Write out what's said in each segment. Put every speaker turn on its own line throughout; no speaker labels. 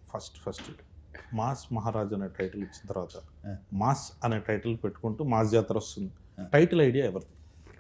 First mass Maharaj అనే title ఇచ్చిన తర్వాత మాస్ అనే టైటిల్ పెట్టుకుంటూ మాస్ జాతర వస్తుంది. టైటిల్ ఐడియా ఎవరిది?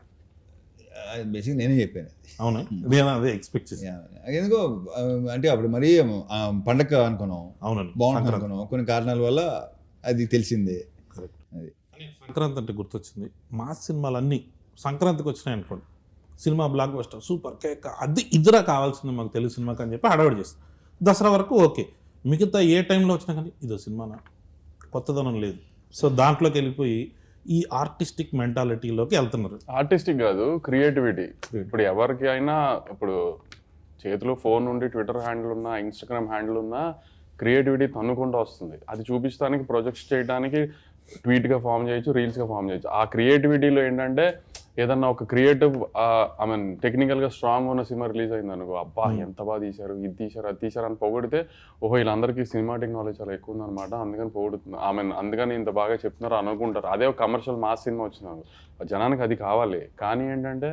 బేసిక్ నేనే చెప్పాను.
అవునా? నేను అదే ఎక్స్పెక్ట్ చేశాను.
ఎందుకో అంటే అప్పుడు మరీ పండగ అనుకున్నాం,
అవునండి,
బాగుంటుంది అనుకున్నాం. కొన్ని కారణాల వల్ల అది తెలిసిందే.
కరెక్ట్.
అది
సంక్రాంతి అంటే గుర్తొచ్చింది. మాస్ సినిమాలు అన్నీ సంక్రాంతికి వచ్చినాయి అనుకోండి, సినిమా బ్లాక్ బస్టర్ సూపర్ కేక్ అది ఇదిరా కావాల్సింది మాకు తెలుగు సినిమాకి అని చెప్పి హడావిడి చేస్తాం. దసరా వరకు ఓకే, మిగతా ఏ టైంలో వచ్చినా కానీ ఇదో సినిమానా, కొత్తదనం లేదు. సో దాంట్లోకి వెళ్ళిపోయి ఈ ఆర్టిస్టిక్ మెంటాలిటీలోకి వెళ్తున్నారు.
ఆర్టిస్టిక్ కాదు, క్రియేటివిటీ. ఇప్పుడు ఎవరికి అయినా ఇప్పుడు చేతిలో ఫోన్ ఉండి ట్విట్టర్ హ్యాండిల్ ఉన్నా, ఇన్స్టాగ్రామ్ హ్యాండిల్ ఉన్నా క్రియేటివిటీ తన్నుకుంటూ వస్తుంది. అది చూపించడానికి, ప్రొజెక్ట్స్ చేయడానికి ట్వీట్గా ఫామ్ చేయొచ్చు, రీల్స్గా ఫామ్ చేయొచ్చు. ఆ క్రియేటివిటీలో ఏంటంటే ఏదన్నా ఒక క్రియేటివ్ ఐ మీన్ టెక్నికల్గా స్ట్రాంగ్ ఉన్న సినిమా రిలీజ్ అయింది అనుకో, అబ్బా ఎంత బాగా తీశారు, ఇది తీశారు, అది తీశారు అని పొగిడితే, ఓహో వీళ్ళందరికీ సినిమాటిక్ నాలెడ్జ్ చాలా ఎక్కువ ఉందన్నమాట, అందుకని పొగుడుతుంది, ఐ మీన్ అందుకని ఇంత బాగా చెప్తున్నారు అనుకుంటారు. అదే ఒక కమర్షియల్ మాస్ సినిమా వచ్చినారు, జనానికి అది కావాలి. కానీ ఏంటంటే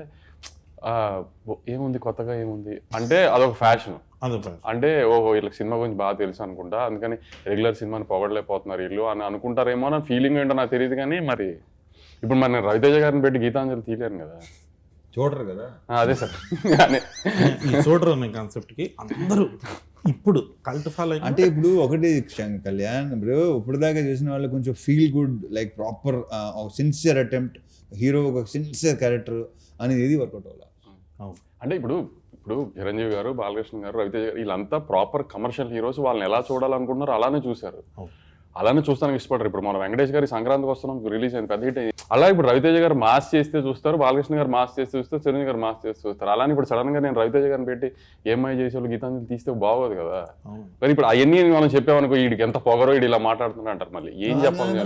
ఏముంది కొత్తగా, ఏముంది అంటే అదొక ఫ్యాషన్. అంటే ఓహో వీళ్ళకి సినిమా గురించి బాగా తెలుసు అనుకుంటా, అందుకని రెగ్యులర్ సినిమాని పొగడలేకపోతున్నారు వీళ్ళు అని అనుకుంటారేమో నా ఫీలింగ్ ఏంటో నాకు తెలియదు. కానీ మరి ఇప్పుడు మరి నేను రవితేజ గారిని పెట్టి గీతాంజలి తీయలేను కదా,
చూడరు కదా.
అదే సార్,
ఈ చూడరు అనే కాన్సెప్ట్కి అందరూ ఇప్పుడు కల్ట్ ఫాలో.
అంటే ఇప్పుడు ఒకటి కళ్యాణ్, ఇప్పుడు దాకా చూసిన వాళ్ళు కొంచెం feel good, like proper sincere attempt, hero ఒక సిన్సియర్ క్యారెక్టర్ అనేది ఏది వర్కౌట్ అవ్వాలి.
అంటే ఇప్పుడు చిరంజీవి గారు, బాలకృష్ణ గారు, రవితేజ గారు వీళ్ళంతా ప్రాపర్ కమర్షియల్ హీరోస్. వాళ్ళని ఎలా చూడాలనుకుంటున్నారు అలానే చూశారు, అలానే చూస్తానికి ఇష్టపడరు. ఇప్పుడు మన వెంకటేష్ గారి సంక్రాంతికి వస్తున్నాం రిలీజ్ అయింది, పెద్ద హిట్ అయింది. అలా ఇప్పుడు రవితేజ గారు మాస్ చేస్తే చూస్తారు, బాలకృష్ణ గారు మాస్ చేస్తే చూస్తారు, చిరంజీవి గారు మాస్ చేస్తే చూస్తారు. అలానే ఇప్పుడు సడన్ గా నేను రవితేజ గారిని పెట్టి ఏమై చేసేవాళ్ళు గీతాంజలి తీస్తే బాగోదు కదా. కానీ ఇప్పుడు అవన్నీ మనం చెప్పామనుకో, వీడికి ఎంత పొగరో, వీడు ఇలా మాట్లాడుతున్నా అంటారు. మళ్ళీ ఏం చెప్పాలి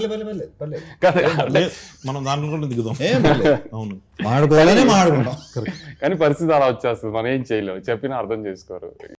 మనం దాంట్లో కూడా దిగుదాం. అవును,
మాట్లాడుకోవాలనే మాట్లాడుకుంటాం.
కానీ పరిస్థితి అలా వచ్చేస్తుంది, మనం ఏం చేయలేము, చెప్పినా అర్థం చేసుకోరు.